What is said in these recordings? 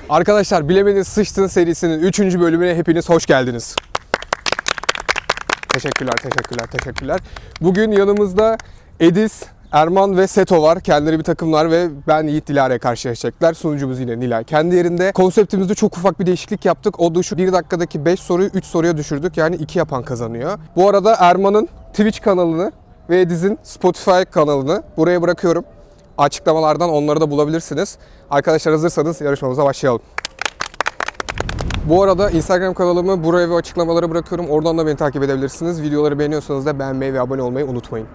Arkadaşlar Bilemedin Sıçtın serisinin 3. bölümüne hepiniz hoş geldiniz. Teşekkürler. Bugün yanımızda Ediz, Erman ve Seto var. Kendileri bir takımlar ve ben Yiğit Dilara'ya karşılaşacaklar. Sunucumuz yine Nilay. Kendi yerinde konseptimizde çok ufak bir değişiklik yaptık. O da şu: 1 dakikadaki 5 soruyu 3 soruya düşürdük. Yani 2 yapan kazanıyor. Bu arada Erman'ın Twitch kanalını ve Ediz'in Spotify kanalını buraya bırakıyorum. Açıklamalardan onları da bulabilirsiniz. Arkadaşlar hazırsanız yarışmamıza başlayalım. Bu arada Instagram kanalımı buraya ve açıklamalara bırakıyorum. Oradan da beni takip edebilirsiniz. Videoları beğeniyorsanız da beğenmeyi ve abone olmayı unutmayın.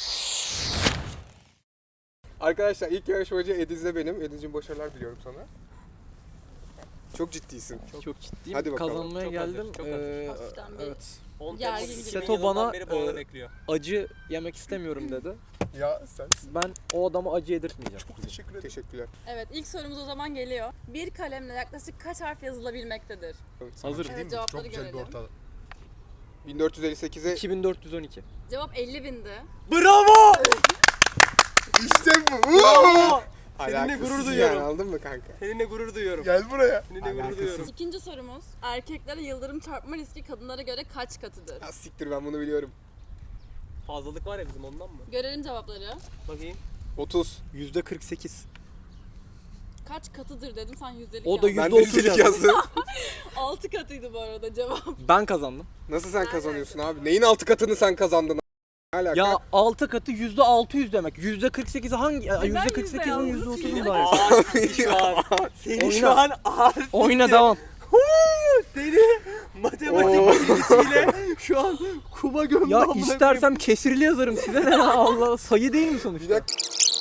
Arkadaşlar ilk yarışmacı Ediz'le benim. Ediz'cim başarılar diliyorum sana. Çok ciddisin. Çok ciddiyim. Hadi bakalım. Kazanmaya Çok geldim. hazır, çok hazır. Evet. Seto bana, bekliyor. Acı yemek istemiyorum dedi. Ya sen. Ben o adama acı yedirtmeyeceğim. Çok teşekkür ederim. Teşekkürler. Evet, ilk sorumuz o zaman geliyor. Bir kalemle yaklaşık kaç harf yazılabilmektedir? Hazır. Evet, cevapları Çok güzel bir görelim. ortalık. 1458'e 2412. Cevap 50.000'di. Bravo! İşte bu. Bravo! Seninle alakasız gurur yani, duyuyorum. aldın mı kanka? Seninle gurur duyuyorum. Gel buraya. Seninle gurur duyuyorum. İkinci sorumuz, erkeklere yıldırım çarpma riski kadınlara göre kaç katıdır? Ya siktir, ben bunu biliyorum. Fazlalık var ya bizim ondan mı? Görelim cevapları. Bakayım. 30. %48. Kaç katıdır dedim, sen yüzdelik O da yazdın. Ben de %30 yüzdelik yazdım. yazdım. 6 katıydı bu arada cevap. Ben kazandım. Nasıl sen kazanıyorsun abi? Neyin 6 katını sen kazandın? Ne alaka? Ya 6 katı %600 demek. %48'i hangi? Ben %48'in yüzde %30'u yazdım. var. Şu an. Seni Oyna. şu an ağır. Oyuna devam. Seni matematik bilgisiyle şu an kuma gömdü. Ya amına koyayım. istersem kesirli yazarım size ne ya, Allah, sayı değil mi Bir sonuçta? dakika.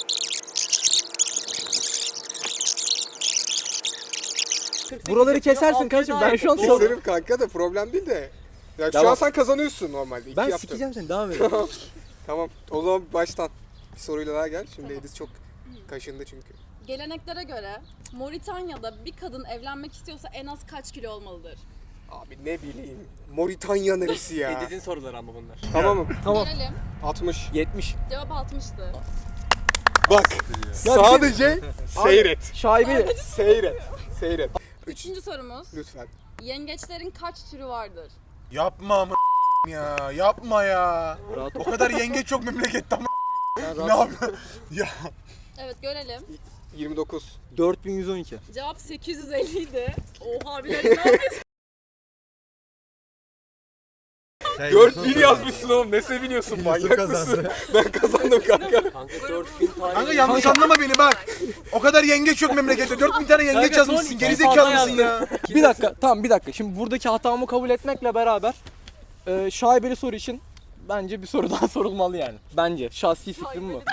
Buraları kesersin kardeşim, ben şu an Doğru. Keserim kanka da problem değil de. Ya şu Devam. an sen kazanıyorsun normalde. İki Ben yaptın. sikeceğim seni, devam et. Tamam. O zaman baştan. Bir soruyla daha gel. Şimdi Ediz çok kaşındı çünkü. Geleneklere göre Moritanya'da bir kadın evlenmek istiyorsa en az kaç kilo olmalıdır? Abi ne bileyim. Moritanya neresi ya? Ediz'in soruları ama bunlar. Tamam mı? Tamam. Görelim. 60. 70. Cevap 60'tı. Bak. Sadece seyret. Şaibe. Seyret. Üçüncü sorumuz. Lütfen. Yengeçlerin kaç türü vardır? Yapma amına ya. Yapma ya. Rahat ol. O kadar yengeç çok memlekette ama Sen ne rahat ol. yapıyorsun? Ya. Evet, görelim. 29. 4112. Cevap 850 idi. Oha, bile ne yapıyorsun? 4000 yazmışsın oğlum. Ne seviniyorsun, manyak mısın? Ben kazandım kanka. Kanka 4000 tane. Kanka yanlış anlama beni bak. O kadar yengeç yok memlekette. 4000 tane yengeç Kanka, son yazmışsın. iki Gerizekalı fazla mısın ya? Bir dakika, tamam bir dakika. Şimdi buradaki hatamı kabul etmekle beraber şaibeli soru için bence bir soru daha sorulmalı yani. Bence. Şahsi fikrim bu.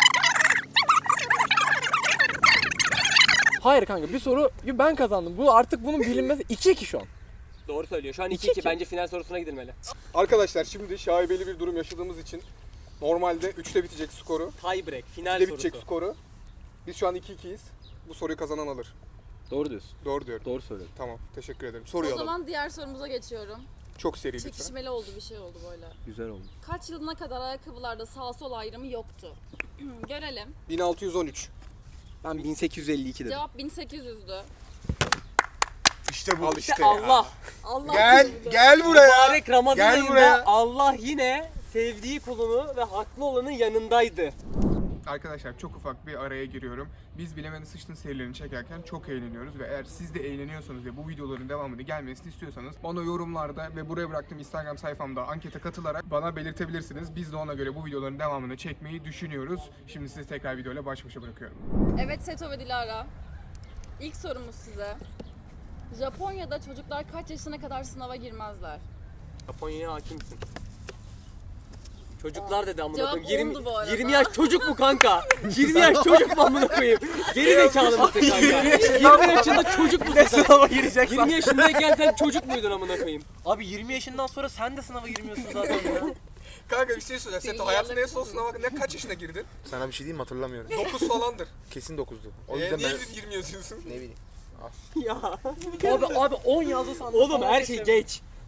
Hayır kanka, bir soru ben kazandım. Bu artık bunun bilinmesi 2-2 şu an. Doğru söylüyor. Şu an 2-2. 2-2. Bence final sorusuna gidilmeli. Arkadaşlar şimdi şaibeli bir durum yaşadığımız için normalde 3'te bitecek skoru. Tie break. Final 3'te sorusu. bitecek skoru. Biz şu an 2-2'yiz. Bu soruyu kazanan alır. Doğru diyorsun. Doğru diyorum. Doğru söyledin. Tamam. Teşekkür ederim. Soruyu O alalım. zaman diğer sorumuza geçiyorum. Çok seri lütfen. Çekişmeli oldu, bir şey oldu böyle. Güzel oldu. Kaç yılına kadar ayakkabılarda sağ sol ayrımı yoktu? Görelim. 1613. Ben 1852 dedim. Cevap 1800'dü. İşte bu. Al işte. Allah. Allah Gel bilir. gel buraya. Mübarek Ramazan Gel ayında buraya. Allah yine sevdiği kulunu ve haklı olanın yanındaydı. Arkadaşlar çok ufak bir araya giriyorum. Biz Bilemedin Sıçtın serilerini çekerken çok eğleniyoruz ve eğer siz de eğleniyorsanız ve bu videoların devamını gelmesini istiyorsanız bana yorumlarda ve buraya bıraktığım Instagram sayfamda ankete katılarak bana belirtebilirsiniz. Biz de ona göre bu videoların devamını çekmeyi düşünüyoruz. Şimdi sizi tekrar videoyla baş başa bırakıyorum. Evet Seto ve Dilara. İlk sorumuz size. Japonya'da çocuklar kaç yaşına kadar sınava girmezler? Japonya'ya hakimsin. Çocuklar dedi amına Cevap koyayım. 10'du bu arada. 20 yaş çocuk mu kanka? 20 yaş çocuk mu amına koyayım? Geri zekalı mısın kanka? 20 yaşında çocuk musun sen? Sınava gireceksin. 20 yaşındayken sen çocuk muydun amına koyayım? Abi 20 yaşından sonra sen de sınava girmiyorsun zaten ya. Kanka bir şey söyle. Senin Seto hayatında en yıllık- son sınava ne kaç yaşına girdin? Sana bir şey diyeyim mi? Hatırlamıyorum. 9 falandır. Kesin 9'du. O Niye yüzden ben 20 yazıyorsun? ne bileyim. Ya. Abi 10 yazdı sandım. Oğlum her şey geç.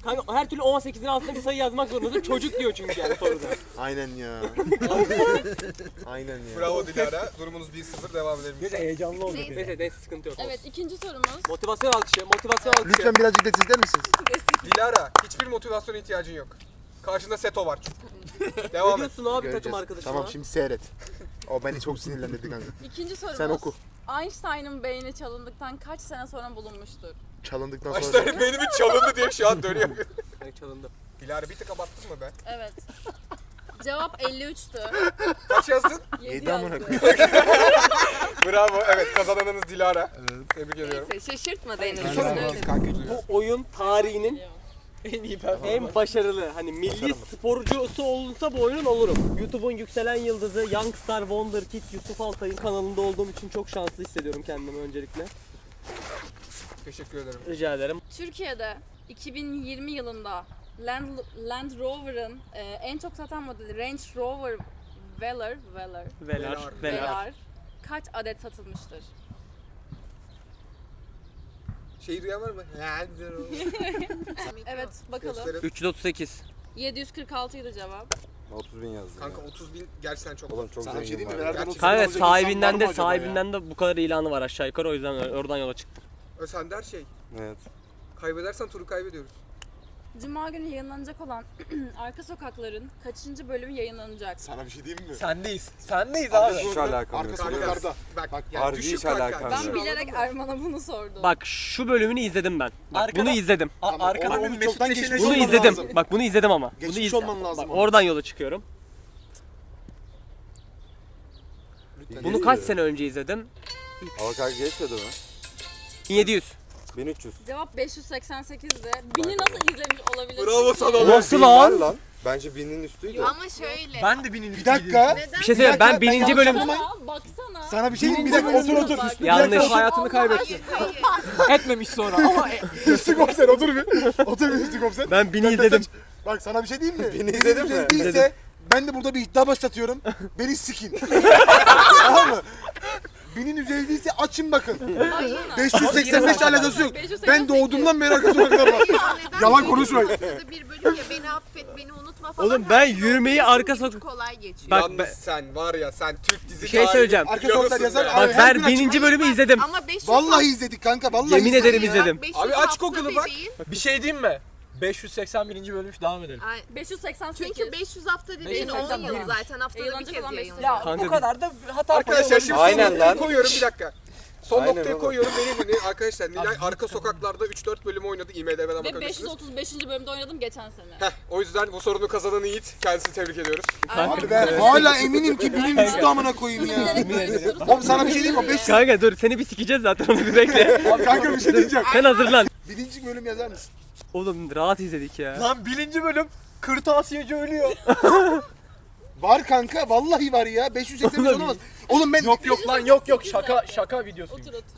Kanka her türlü 18'in altında bir sayı yazmak zorundasın. Çocuk diyor çünkü yani soruda. Aynen ya. Aynen ya. Bravo Dilara. Durumunuz 1-0, devam edelim. Neyse heyecanlı oldu. Neyse. Neyse sıkıntı yok. Evet, ikinci sorumuz. Motivasyon alkışı, motivasyon alkışı. Lütfen birazcık da sizler misiniz? Dilara, hiçbir motivasyona ihtiyacın yok. Karşında Seto var çünkü. Ne Devam et. diyorsun abi takım Göreceğiz. arkadaşına? Tamam şimdi seyret. O beni çok sinirlendirdi kanka. İkinci sorumuz. Sen oku. Einstein'ın beyni çalındıktan kaç sene sonra bulunmuştur? Çalındıktan sonra. Başta benim çalındı diye şu an dönüyor. Yani çalındı. Dilara bir tık abarttın mı be? Evet. Cevap 53'tü. Kaç yazdın? 7 Yedi amına yazdı. Bravo. Evet, kazananınız Dilara. Tebrik ediyorum. Neyse şaşırtmadı en Sorun azından. mu? Kanka üzülüyor. Bu oyun tarihinin en başarılı, hani milli sporcusu olunsa bu oyunun olurum. YouTube'un yükselen yıldızı Youngstar Wonder Kid Yusuf Altay'ın kanalında olduğum için çok şanslı hissediyorum kendimi öncelikle. Teşekkür ederim. Rica ederim. Türkiye'de 2020 yılında Land Rover'ın en çok satan modeli Range Rover Velar. Velar kaç adet satılmıştır? Şeyi duyan var mı? Evet, bakalım. Gösterin. 338. 746 idi cevap. 30 bin yazdı. Kanka 30.000 gerçekten çok. Oğlum çok Sana bir şey zengin diyeyim mi? var. Nereden ya. olsun? Kanka Olacak sahibinden insan var de mı acaba sahibinden de bu kadar ilanı var aşağı yukarı, o yüzden oradan yola çıktım. Ösender şey. Evet. Kaybedersen turu kaybediyoruz. Cuma günü yayınlanacak olan Arka Sokakların kaçıncı bölümü yayınlanacak? Sana bir şey diyeyim mi? Sendeyiz. Sendeyiz Hiç alakam Arka yok. sokaklarda. Bak Harbi düşük hiç kanka. alakam Ben yok. bilerek Erman'a bunu sordum. Bak şu bölümünü izledim ben. Bak Arkada- bunu izledim. Arkada Onu onun çoktan Mesut geçmiş Peşin'e Bunu olman izledim. lazım. Bak bunu izledim ama. Bunu Geçmiş olman lazım Bak ama. oradan yola çıkıyorum. Bunu kaç sene önce izledim? Avokado geçmedi mi? 1700. 1300. Cevap 588'di. Bini nasıl izlemiş olabilir? Bravo sana. Nasıl Bin var lan? lan? Bence binin üstüydü. Ama şöyle. Ben de binin Bir dakika. Neden? Bir şey söyleyeyim, ben Ben bininci bölüm... Baksana. Sana bir şey diyeyim mi? Bir dakika otur otur. Bak. Yanlış. hayatını kaybetti. Hayır. Etmemiş sonra ama Üstü komiser otur bir. Otur bir üstü komiser. Ben bini izledim. Bak sana bir şey diyeyim mi? Beni izledin mi? Değilse İzledim. ben de burada bir iddia başlatıyorum. Beni sikin. Tamam mı? Binin üzeri değilse açın bakın. 585 alakası yok. 588. Ben doğduğumdan beri arka sokaklar var. Yalan konuşmayın. Haftada bir bölüm ya, beni affet, beni unutma falan. Oğlum ben Her şey yürümeyi olduğu için arka çok sokak... kolay geçiyor. Bak Yalnız ben- sen var ya, sen Türk dizi Bir şey söyleyeceğim. Arka sokaklar yazar. Abi, Abi, Bak her gün ben açık. bininci bölümü izledim. Ama 500 Vallahi izledik kanka vallahi Yemin izledik. ederim izledim. 500 Abi aç haftada Google'ı bir bak. değil. bir şey diyeyim mi? 581. bölüm devam edelim. Ay, 588. çünkü 500 hafta dediğin 10 581. yıl zaten, haftada bir Yayınlanacak kez olan yayınlanıyor. Ya Kanka bu kadar da hata Arkadaşlar şimdi son Aynen noktayı lan. koyuyorum, bir dakika. Son Aynen noktayı oğlum. koyuyorum. Benim arkadaşlar Nilay arka sokaklarda 3-4 bölümü oynadı. IMDb'den Ve bakabilirsiniz. 535. bölümde oynadım geçen sene. Heh, o yüzden bu sorunu kazanan Yiğit. Kendisini tebrik ediyoruz. Abi ben hala eminim ki binin üstü amına koyayım ya. Bilerek böyle bir soru Oğlum sana bir şey diyeyim mi? 500 Kanka dur, seni bir sikeceğiz zaten, onu bir bekle. kanka bir şey diyeceğim. Sen hazırlan. Birinci bölüm yazar mısın? Oğlum rahat izledik ya. Lan 1. bölüm kırtasiyeci ölüyor. Var kanka vallahi var ya. 585 olamaz. Oğlum ben Yok lan yok şaka videosu. Otur otur.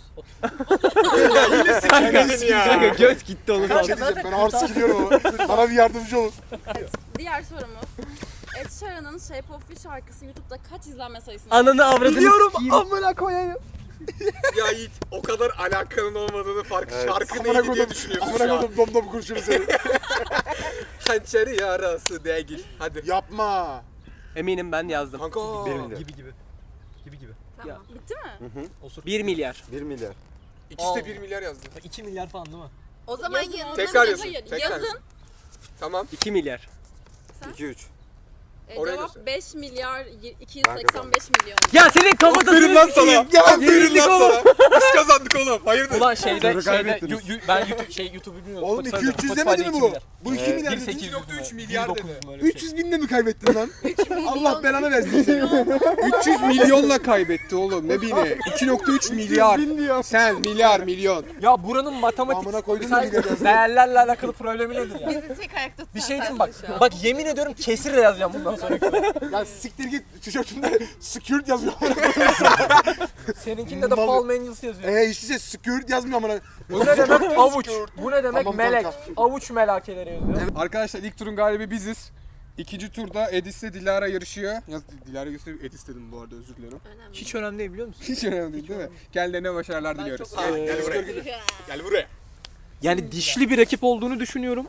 Kanka göz gitti onu bir şey zaten. diyeceğim. Ben ağır sikiliyorum ama. Bana bir yardımcı olun. Diğer sorumuz. Ed Sheeran'ın Shape of You şarkısı YouTube'da kaç izlenme sayısını Ananı avradını Biliyorum sikeyim. amına koyayım. Ya Yiğit, o kadar alakanın olmadığını fark. Evet. Şarkı Amına neydi diye koydum. düşünüyorsun Amına şu an. koydum dom dom kurşunu seni. Hançeri yarası değil. Hadi. Yapma. Eminim ben yazdım. Kanka. 1 milyar. Gibi. Tamam. Bitti mi? 1 milyar. 1 milyar. İkisi de 1 milyar yazdı. 2 milyar falan değil mi? O zaman Yazın. yanında Tekrar Hayır, yazın. hayır, Tekrar yazın. yazın. Tamam. 2 milyar. 2-3. Oraya Cevap göster. 5 milyar 285 milyon. Ya senin kafatasını Aferin lan sana. sikeyim. Aferin lan sana. Biz kazandık oğlum. Hayırdır? Ulan şeyde Soru kaybettiniz. ben YouTube'u bilmiyorum. Oğlum Spotify'da. 2-300 Spotify'da demedi mi 2 bu? milyar. Bu 2 milyar dedi. 2.3 milyar dedi. 300 binle mi kaybettin lan? Allah belanı versin seni. 300 milyonla kaybetti oğlum. Ne bine? 2.3 milyar. Bin diyor. Sen milyar milyon. Ya buranın matematik Amına koydun mu gider yazdı? değerlerle alakalı problemi nedir ya? bizi tek ayakta tutan Bir şey diyeyim sensin bak. şu an. Bak yemin ediyorum kesirle yazacağım bundan sonra. Ya siktir git tişörtünde skirt yazıyor. Seninkinde de Paul Mangels yazıyor. İşte skirt yazmıyor amına. Bu ne demek? Avuç. Bu ne demek? Tamam, Melek. kanka. Avuç melakeleri yazıyor. Arkadaşlar ilk turun galibi biziz. İkinci turda Edis'le Dilara yarışıyor. Ya Dilara gösterip Edis dedim bu arada, özür dilerim. Önemli. Hiç önemli değil biliyor musun? Hiç önemli değil mi? Kendilerine başarılar diliyoruz. çok- Gel buraya. Gel buraya. Yani dişli bir rakip olduğunu düşünüyorum.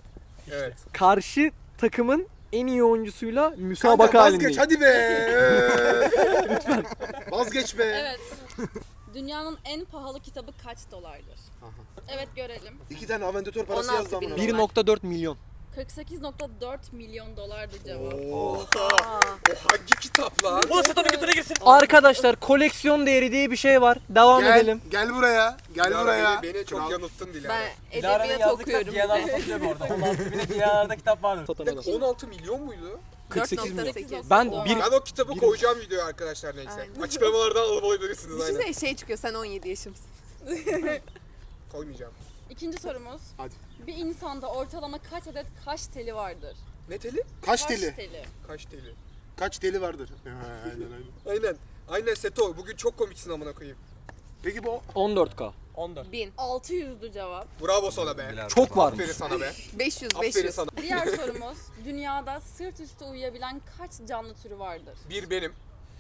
Evet. Karşı takımın en iyi oyuncusuyla Kanka müsabaka vazgeç halindeyim. hadi be. Lütfen. Vazgeç be. Evet. Dünyanın en pahalı kitabı kaç dolardır? Evet görelim. 2 tane aventör parası 16 yazdı amına. bin. 1.4 milyon. 48.4 milyon dolardı cevap. O hangi kitap lan? Bu satana götüne girsin. Arkadaşlar koleksiyon değeri diye bir şey var. Devam edelim. Gel buraya. Gel Dilara, beni, Beni çok Kral. yanılttın Dilara. Ben Dilara'nın edebiyat yazdığı kitap okuyorum. Diyanar'da satılıyor bu arada. 16 bine Diyanar'da kitap vardır. Bir dakika, 16 milyon muydu? 48 milyon. 4.8. Ben Dolar. bir Ben o kitabı koyacağım videoya arkadaşlar neyse. Aynen. Açıklamalardan alıp alabilirsiniz aynen. Düşünsene şey çıkıyor sen 17 yaşımsın. Koymayacağım. İkinci sorumuz. Hadi. Bir insanda ortalama kaç adet kaş teli vardır? Ne teli? Kaç teli? teli. Kaç teli? Kaç teli vardır? Aynen. Aynen. Aynen Seto. Bugün çok komiksin amına koyayım. Peki bu 14K. 14. 1000. 600'dü cevap. Bravo sana be. Çok varmış. Aferin sana be. 500. Aferin 500. sana. Diğer sorumuz. Dünyada sırt üstü uyuyabilen kaç canlı türü vardır? Bir benim.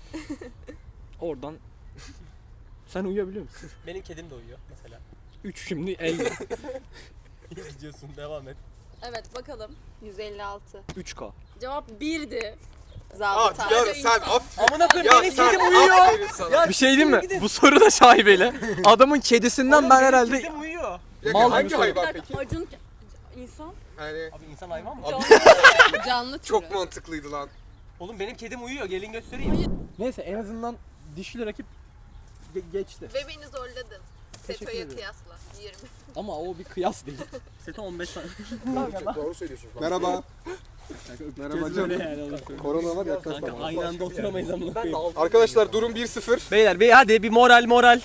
Oradan sen uyuyabiliyor musun? Benim kedim de uyuyor mesela. 3 şimdi elde. İyi gidiyorsun, devam et. Evet bakalım. 156. 3K. Cevap 1'di. Zabıta. Dilara sen aferin. Amına koyayım Ya benim sen kedim uyuyor. aferin sana. Bir şey diyeyim mi? Bu soru da şaibeli. Adamın kedisinden ben herhalde Kedim uyuyor. Ya Mal hangi gibi Bir hayvan dakika peki? Acun insan. Yani Abi insan hayvan mı? Canlı türü. çok mantıklıydı lan. Oğlum benim kedim uyuyor, gelin göstereyim. neyse en azından dişli rakip geçti. Ve beni zorladın. Seto'ya ederim. kıyasla. 20. Ama o bir kıyas değil. Sete 15 saniye. doğru söylüyorsun. Merhaba. Merhaba canım. Korona var ya. Kanka aynı anda oturamayız amına koyayım. Arkadaşlar durum 1-0. Beyler hadi bir moral.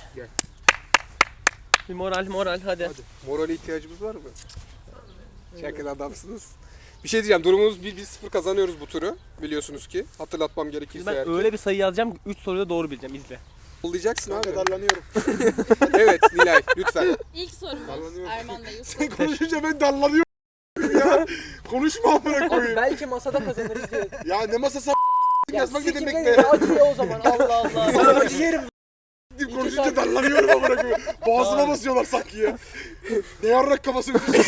Bir moral hadi. Morale ihtiyacımız var mı? Şakir adamsınız. Bir şey diyeceğim. Durumumuz 1-0 kazanıyoruz bu turu. Biliyorsunuz ki. Hatırlatmam gerekirse Ben eğer ki. öyle bir sayı yazacağım, 3 soruyu da doğru bileceğim, izle. Yollayacaksın abi. Kanka darlanıyorum. Evet Nilay lütfen. İlk sorumuz Sallanıyorum. Erman ve Yusuf. Konuşunca ben darlanıyorum ya. Konuşma amına koyayım. Belki masada kazanırız diye. Ya ne masası yazmak ne demek be? Acıyor o zaman Allah Allah. Ben acı yerim. Konuşunca darlanıyorum amına koyayım. Boğazıma basıyorlar sanki ya. Ne yarrak kafası öpüyorsun.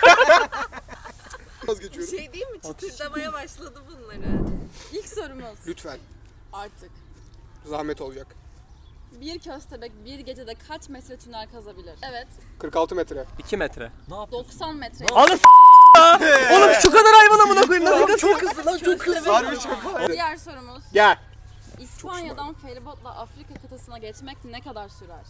Vazgeçiyorum. Şey değil mi? Çıtırdamaya başladı bunları. İlk sorumuz Lütfen. artık. Zahmet olacak. Bir köstebek bir gecede kaç metre tünel kazabilir? Evet. 46 metre. 2 metre. 90 metre. Alın Oğlum şu kadar hayvan amına koyayım, nasıl çok hızlı lan, çok hızlı. Harbi çok. Diğer sorumuz. Gel. İspanya'dan feribotla Afrika kıtasına geçmek ne kadar sürer?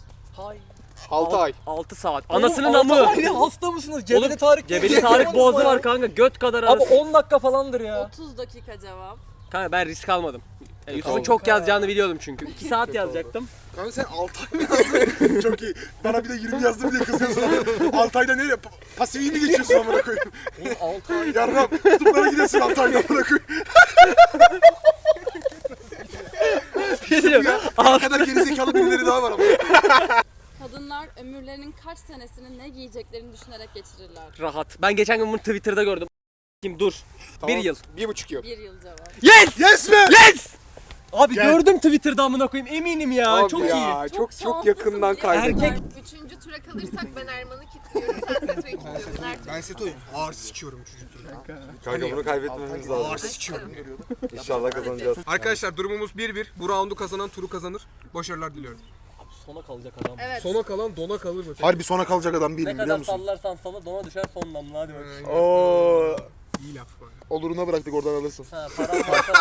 6 ay. 6 saat. Anasının amı. Hasta mısınız? Oğlum, Cebeli Tarık Boğazı var kanka, göt kadar Abi arası. 10 dakika falandır ya. 30 dakika cevap. Kanka ben risk almadım. Yusuf'un Aldım. çok yazacağını biliyordum çünkü. 2 saat yazacaktım. Kanka sen 6 ay mı yazdın? Çok iyi. Bana bir de 20 yazdım diye kızıyorsun. 6 ayda nereye? Pasifi mi geçiyorsun amına koyayım? 6 ay. Yarram kutuplara gidiyorsun 6 ayda amına koyayım. Ne kadar gerizekalı birileri daha var ama. Kadınlar ömürlerinin kaç senesini ne giyeceklerini düşünerek geçirirler? Rahat. Ben geçen gün bunu Twitter'da gördüm. Kim dur. Tamam. 1 yıl. 1,5 yıl. 1 yıl cevap. Yes! Yes be! Yes! Abi Gel. gördüm Twitter'da amına koyayım, eminim ya. Abi çok ya, iyi. Çok şanslısın yakından diye. kaybettim. Erkek- Üçüncü tura kalırsak ben Erman'ı kilitliyorum. Sen Seto'yu kilitliyorsun. Her türlü. Ben Seto'yu ağır sikiyorum çocukları. Kanka bunu kaybetmememiz lazım. Ağır sikiyorum. İnşallah kazanacağız. Arkadaşlar durumumuz 1-1. Bu roundu kazanan turu kazanır. Başarılar diliyorum. Sona kalacak adam. Evet. Sona kalan dona kalır mı? Harbi sona kalacak adam Ne değilim biliyor kadar musun? sallarsan salla, dona düşer son damla, hadi bakalım. Oo. İyi laf var. Oluruna bıraktık oradan alırsın. Ha, param varsa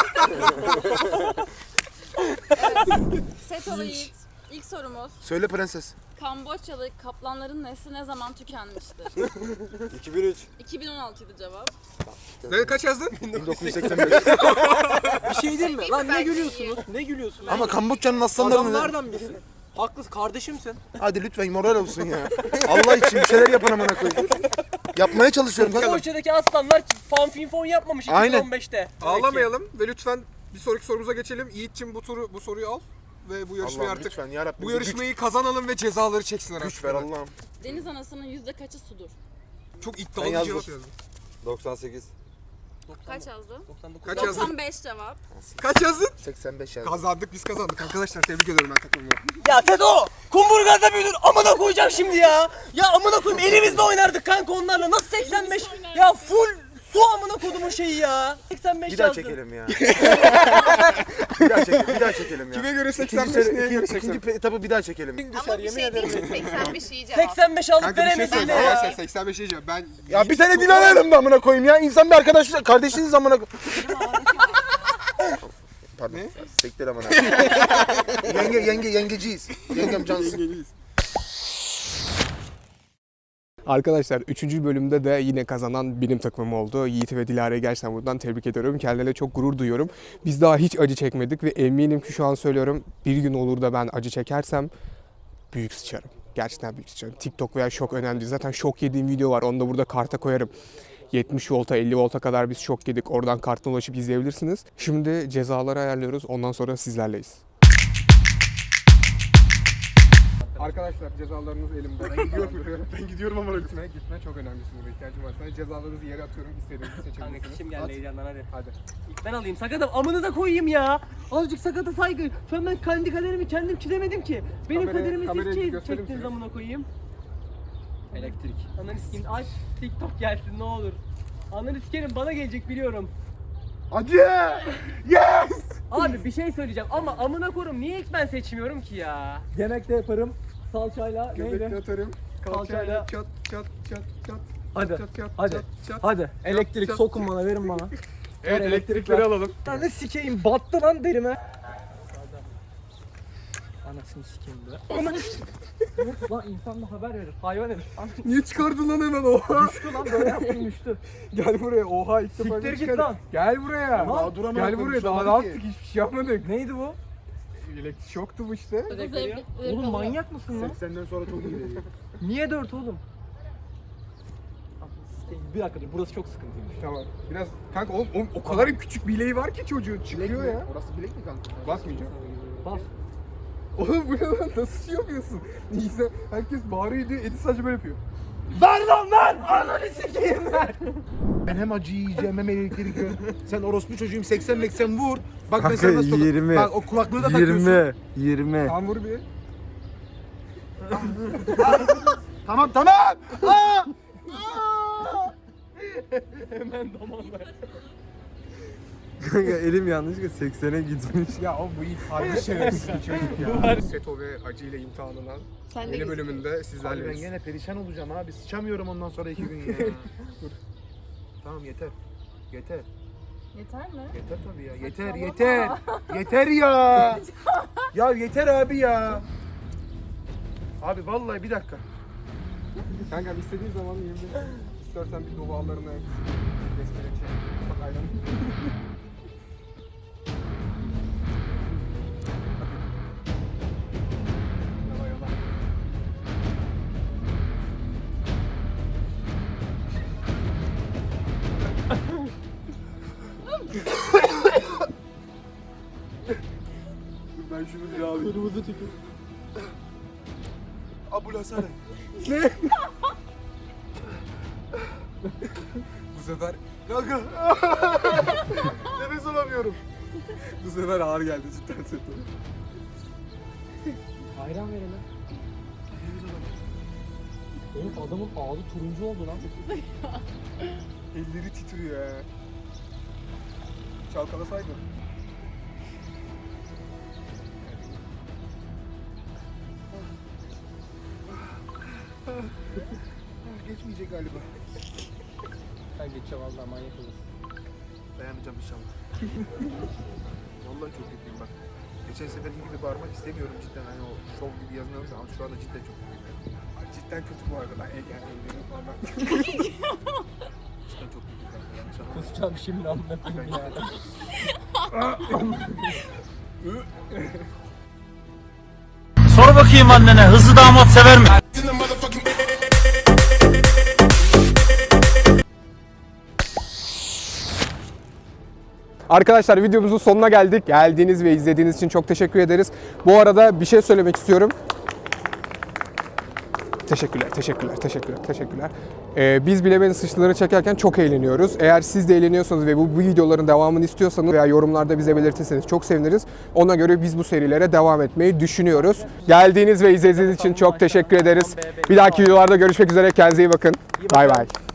Seto ve Yiğit. İlk sorumuz. Söyle prenses. Kamboçyalı kaplanların nesli ne zaman tükenmiştir? 2003. 2016'ydı cevap. Ne kaç yazdın? 1985. Bir şey diyeyim mi? Lan ne Belki gülüyorsunuz? Ne gülüyorsunuz? Ama Kamboçya'nın aslanları ne? Adamlardan biri. Haklısın, kardeşimsin. Hadi lütfen moral olsun ya. Allah için bir şeyler yapın amına koyayım. Yapmaya çalışıyorum. Kanka. Kamboçya'daki aslanlar fanfinfon yapmamış Aynen. 2015'te. Ağlamayalım ve lütfen bir sonraki sorumuza geçelim. Yiğit'cim bu soruyu al ve bu yarışmayı Allah'ım artık lütfen yarabbim. bu yarışmayı kazanalım ve cezaları çeksinler güç artık. ver Allah'ım. Deniz anasının yüzde kaçı sudur? Çok Ben iddialı bir yazdım. cevap yazdın. 98. Kaç yazdın? 99. Kaç yazdın? 95 cevap. Kaç yazdın? 85 yazdım. Kazandık biz kazandık arkadaşlar tebrik ediyorum ben takımımı. Ya Tedo! Kumburgaz'da büyüdün, amına koyacağım şimdi ya! Ya amına koyayım, elimizde oynardık kanka onlarla, nasıl 85? Ya Su amına kodumun şeyi ya. 85 Bir daha yazdın. çekelim ya. bir daha çekelim ya. Kime göre İkinci 85, neye göre ikinci 85? etabı bir daha çekelim. Ama bir şey diyeceğim 85 iyi cevap. 85 alıp Kanka bir şey veremedin söyleyeyim. ya. Arkadaşlar 85 diyeceğim. Ben Ya bir tane Dilara yanımda amına koyayım ya. İnsan bir arkadaşlar, kardeşiniz amına Pardon. Sektir amına. Yengeciyiz. Yengem cansın. Arkadaşlar 3. bölümde de yine kazanan benim takımım oldu. Yiğit ve Dilara'yı gerçekten buradan tebrik ediyorum. Kendilerine çok gurur duyuyorum. Biz daha hiç acı çekmedik ve eminim ki şu an söylüyorum bir gün olur da ben acı çekersem büyük sıçarım. Gerçekten büyük sıçarım. TikTok veya şok önemli değil. Zaten şok yediğim video var. Onu da burada karta koyarım. 70 volta 50 volta kadar biz şok yedik. Oradan kartına ulaşıp izleyebilirsiniz. Şimdi cezaları ayarlıyoruz. Ondan sonra sizlerleyiz. Arkadaşlar cezalarınız elimde. Ben gidiyorum ama gitme çok önemli. Burada ihtiyacım var. Sana cezalarınızı yere atıyorum. İstediğinizi Kanka seçebilirsiniz. kim geldi heyecandan hadi. Hadi. İlk ben alayım sakatım amını da koyayım ya. Azıcık sakata saygı. Şu an ben kendi kaderimi kendim çizemedim ki. Benim kaderimi kamerayı siz gösterir çektiniz misiniz? amına koyayım. Elektrik. Ananı sikeyim aç TikTok gelsin ne olur. Ananı sikerim bana gelecek biliyorum. Acı! Yes! Abi bir şey söyleyeceğim ama amına korum niye ilk ben seçmiyorum ki ya? Yemekte yaparım salçayla Göbekle atarım. Kalçayla Kalçayla. çat çat çat çat. Hadi Çat çat hadi çat çat. hadi elektrik çat, sokun bana verin bana. Evet Ver, elektrikleri alalım. Ananı sikeyim battı lan derime. Anasını sikeyim be. Ananı sikeyim. Lan insan da haber verir. Hayvan herif. Niye çıkardın lan hemen oha? Düştü lan böyle yaptım düştü. Gel buraya oha ilk defa Siktir git çıkar. lan. Gel buraya. Daha duramadık, Gel buraya daha ne konuşamadık yaptık ki. hiçbir şey yapmadık. Neydi bu? Elektrik şoktu bu işte. Oğlum manyak mısın lan? 80'den sonra çok iyi. Niye 4 oğlum? Bir dakika dur burası çok sıkıntıymış. Tamam. Biraz kanka oğlum o kadar küçük bileği var ki çocuğun çıkıyor ya. Orası bilek mi kanka? Basmayacağım. Bas. Oğlum bu ne lan nasıl şey yapıyorsun? Neyse herkes bağırıyor diyor Edis sadece böyle yapıyor. Ver lan ver! Ananı sikeyim ver! Ben hem acı yiyeceğim hem elektrik yiyorum. Sen orospu çocuğum 80 vur. Bak Kanka, mesela nasıl 20. Bak o kulaklığı da takıyorsun. 20. Tam vur bir. Tamam tamam. Aa! Hemen damanla. Kanka elim yanlışlıkla 80'e gitmiş. Ya o bu ilk harbi şerefsiz bir çocuk ya. Seto ve acıyla imtihanlanan Sen de yeni bölümünde Abi ben sizlerleyiz. gene perişan olacağım abi. Sıçamıyorum ondan sonra 2 gün ya. Tamam yeter. Yeter. Yeter mi? Yeter tabii ya. Yeter yeter. Yeter ya. Ya yeter abi ya. Abi vallahi bir dakika. Kanka istediğin zaman yiyebilirsin. İstersen bir duvarlarına göstereyim şey. Bak aynen. Yala yala. Ben şunu bir alayım. Kırmızı tükür. Abul Hasan. Bu sefer Kanka. Nefes alamıyorum. bu sefer ağır geldi cidden Seto. Ayran verelim. Oğlum adamın ağzı turuncu oldu lan. Elleri titriyor ya. Çalkalasaydın. Geçmeyecek galiba. Ben geçeceğim valla manyak olursun. Dayanacağım inşallah. Vallahi çok kötüyüm bak. Geçen seferki gibi bağırmak istemiyorum cidden. Hani o şov gibi yazmıyoruz ama şu anda cidden çok kötüyüm. Cidden kötü bu arada. Yani ellerim falan. Cidden çok kötüyüm kanka. Yanlış anlama. Kusacağım şimdi amına koyayım ya. Sor bakayım annene hızlı damat sever mi? Arkadaşlar videomuzun sonuna geldik. Geldiğiniz ve izlediğiniz için çok teşekkür ederiz. Bu arada bir şey söylemek istiyorum. Teşekkürler. Biz Bilemenin Suçluları çekerken çok eğleniyoruz. Eğer siz de eğleniyorsanız ve bu videoların devamını istiyorsanız veya yorumlarda bize belirtirseniz çok seviniriz. Ona göre biz bu serilere devam etmeyi düşünüyoruz. Geldiğiniz ve izlediğiniz için çok teşekkür ederiz. Bir dahaki videolarda görüşmek üzere. Kendinize iyi bakın. Bay bay.